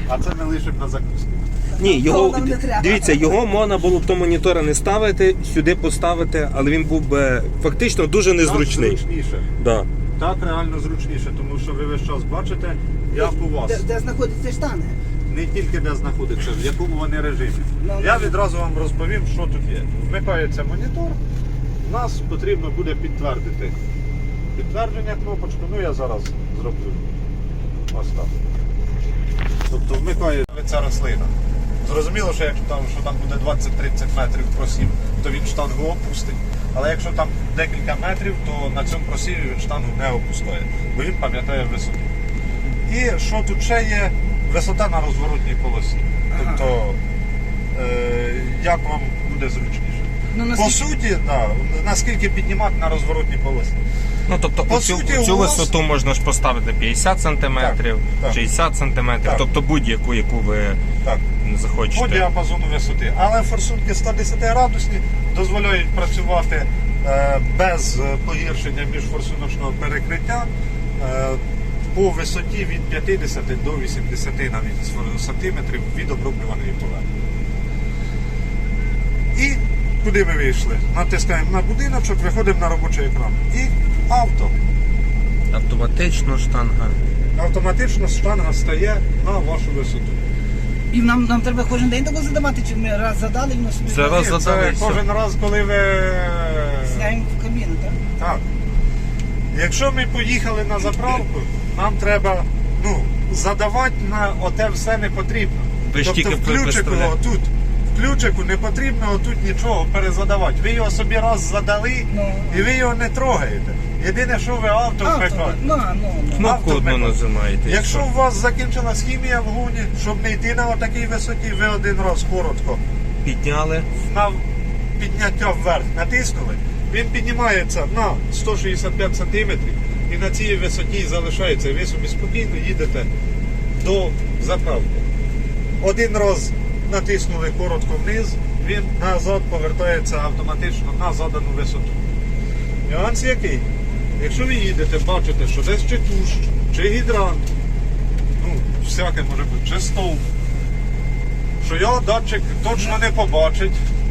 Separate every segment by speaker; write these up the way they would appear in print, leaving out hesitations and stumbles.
Speaker 1: А це ми лишимо на закуску.
Speaker 2: Ні, його,
Speaker 3: Того нам не треба.
Speaker 2: дивіться, його можна було б до монітора не ставити, сюди поставити, але він був би фактично дуже незручний.
Speaker 1: Так зручніше.
Speaker 2: Да.
Speaker 1: Так реально зручніше, тому що ви весь час бачите, як у вас.
Speaker 3: Де знаходяться штани.
Speaker 1: Не тільки де знаходиться, в якому вони режимі.
Speaker 3: Ну,
Speaker 1: Я відразу вам розповім, що тут є. Вмикається монітор, нас потрібно буде підтвердити. Підтвердження кнопочку, ну я зараз зроблю. Ось так. Тобто вмикається рослина. Зрозуміло, що якщо там буде 20-30 метрів просів, то він штангу опустить. Але якщо там декілька метрів, то на цьому просіві він штангу не опускає, бо він пам'ятає висоту. І що тут ще є? Висота на розворотній полосі. Тобто, як вам буде зручніше.
Speaker 3: Ну,
Speaker 1: По суті, да, наскільки піднімати на розворотній полосі.
Speaker 2: Ну, тобто,
Speaker 1: По
Speaker 2: цю
Speaker 1: суті, у вас-
Speaker 2: висоту можна ж поставити 50 см,
Speaker 1: так.
Speaker 2: 60 см,
Speaker 1: Так.
Speaker 2: тобто будь-яку, яку ви
Speaker 1: Так.
Speaker 2: захочете.
Speaker 1: По діапазону висоти. Але форсунки 110 градусні дозволяють працювати без погіршення міжфорсуночного перекриття по висоті від 50 до 80 навіть сантиметрів від оброблюваної поверхні. І куди ми вийшли? Натискаємо на будиночок, виходимо на робочий екран. І авто.
Speaker 2: Автоматично штанга.
Speaker 1: Автоматично штанга стає на вашу висоту.
Speaker 3: І нам треба кожен день таку задавати, чи ми раз задали, і воно собі
Speaker 2: Це раз
Speaker 1: Ні,
Speaker 2: задали,
Speaker 1: це
Speaker 2: і все.
Speaker 1: кожен раз, коли ви...
Speaker 3: зняємо в кабіну, так?
Speaker 1: Так. Якщо ми поїхали на заправку, нам треба задавати на оте все не потрібно.
Speaker 2: Ви ж
Speaker 1: Тобто
Speaker 2: тільки
Speaker 1: в ключику
Speaker 2: представляєте.
Speaker 1: отут. В ключику не потрібно отут нічого перезадавати. Ви його собі раз задали і ви його не трогаєте. Єдине, що ви авто вмикаєте.
Speaker 2: Кнопку одну
Speaker 1: вмикаєте.
Speaker 2: нажимаєте. і
Speaker 1: Якщо
Speaker 2: все.
Speaker 1: у вас закінчилась хімія в гуні, щоб не йти на отакій висоті, ви один раз коротко
Speaker 2: Підняли.
Speaker 1: на підняття вверх натиснули, він піднімається на 165 см і на цій висоті залишається. Ви собі спокійно їдете до заправки. Один раз натиснули коротко вниз, він назад повертається автоматично на задану висоту. Нюанс який? Якщо ви їдете, бачите, що десь чи кущ, чи гідрант, всяке може бути, чи стовп, що його датчик точно не побачить.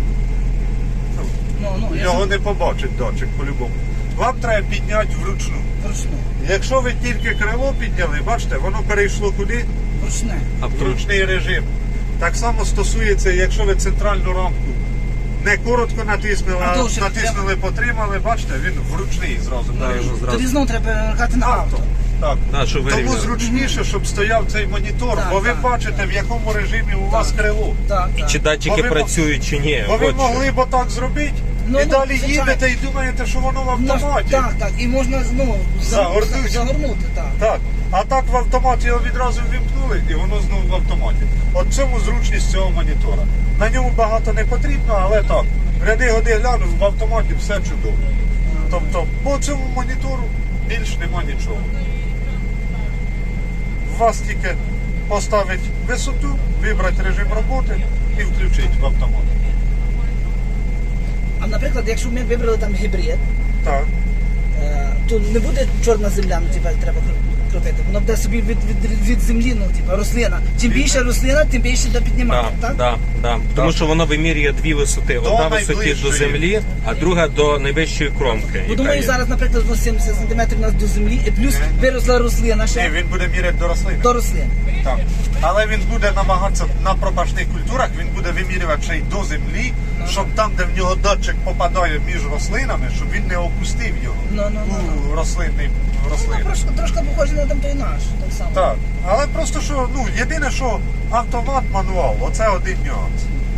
Speaker 1: Його не побачить датчик по-любому. Вам треба підняти вручну. Якщо ви тільки крило підняли, бачите, воно перейшло куди?
Speaker 3: Ручне.
Speaker 1: В ручний режим. Так само стосується, якщо ви центральну рамку не коротко натиснули,
Speaker 3: А
Speaker 1: а
Speaker 3: довше
Speaker 1: натиснули, потримали, бачите, він вручний зразу перейшов.
Speaker 3: Тоді знову треба перемикати на авто.
Speaker 1: Так.
Speaker 2: Да, щоб
Speaker 1: Тому
Speaker 2: вирівняли.
Speaker 1: зручніше, щоб стояв цей монітор,
Speaker 3: Так,
Speaker 1: бо ви
Speaker 3: так,
Speaker 1: бачите, в якому режимі у вас крило.
Speaker 3: Так, так.
Speaker 2: Чи датчики
Speaker 1: Бо ви
Speaker 2: працюють, чи ні.
Speaker 1: Бо ви
Speaker 2: От що.
Speaker 1: могли б отак зробити, і далі
Speaker 3: звичайно.
Speaker 1: їдете і думаєте, що воно в автоматі.
Speaker 3: Так, і можна загорнути, так.
Speaker 1: Так. А так в автоматі його відразу ввімкнули і воно знову в автоматі. От в цьому зручність цього монітора. На ньому багато не потрібно, але так. Ряди-годи глянув, в автоматі все чудово. Тобто по цьому монітору більш нема нічого. Вас тільки поставить висоту, вибрати режим роботи і включити в автомат.
Speaker 3: А наприклад, якщо ми вибрали там гібрид,
Speaker 1: Так.
Speaker 3: то не буде чорна земля, треба крутити. Воно буде собі від землі, рослина. Чим більше рослина, тим більше буде піднімати, так?
Speaker 2: Так. Тому що воно вимірює дві висоти. Одна висоті до
Speaker 1: найближчої.
Speaker 2: землі, а друга до найвищої кромки.
Speaker 3: Бо
Speaker 2: яка
Speaker 3: думаю,
Speaker 2: є.
Speaker 3: зараз, наприклад, 70 см у нас до землі, і плюс виросла рослина
Speaker 1: Ні,
Speaker 3: ще
Speaker 1: він буде міряти до рослини.
Speaker 3: до рослин.
Speaker 1: Так. Але він буде намагатися на пропашних культурах, він буде вимірювати ще й до землі, щоб там, де в нього датчик попадає між рослинами, щоб він не опустив його у рослини.
Speaker 3: Трошки похоже на там той наш, так само.
Speaker 1: Так. Але просто що, єдине, що автомат, мануал, оце один нюанс.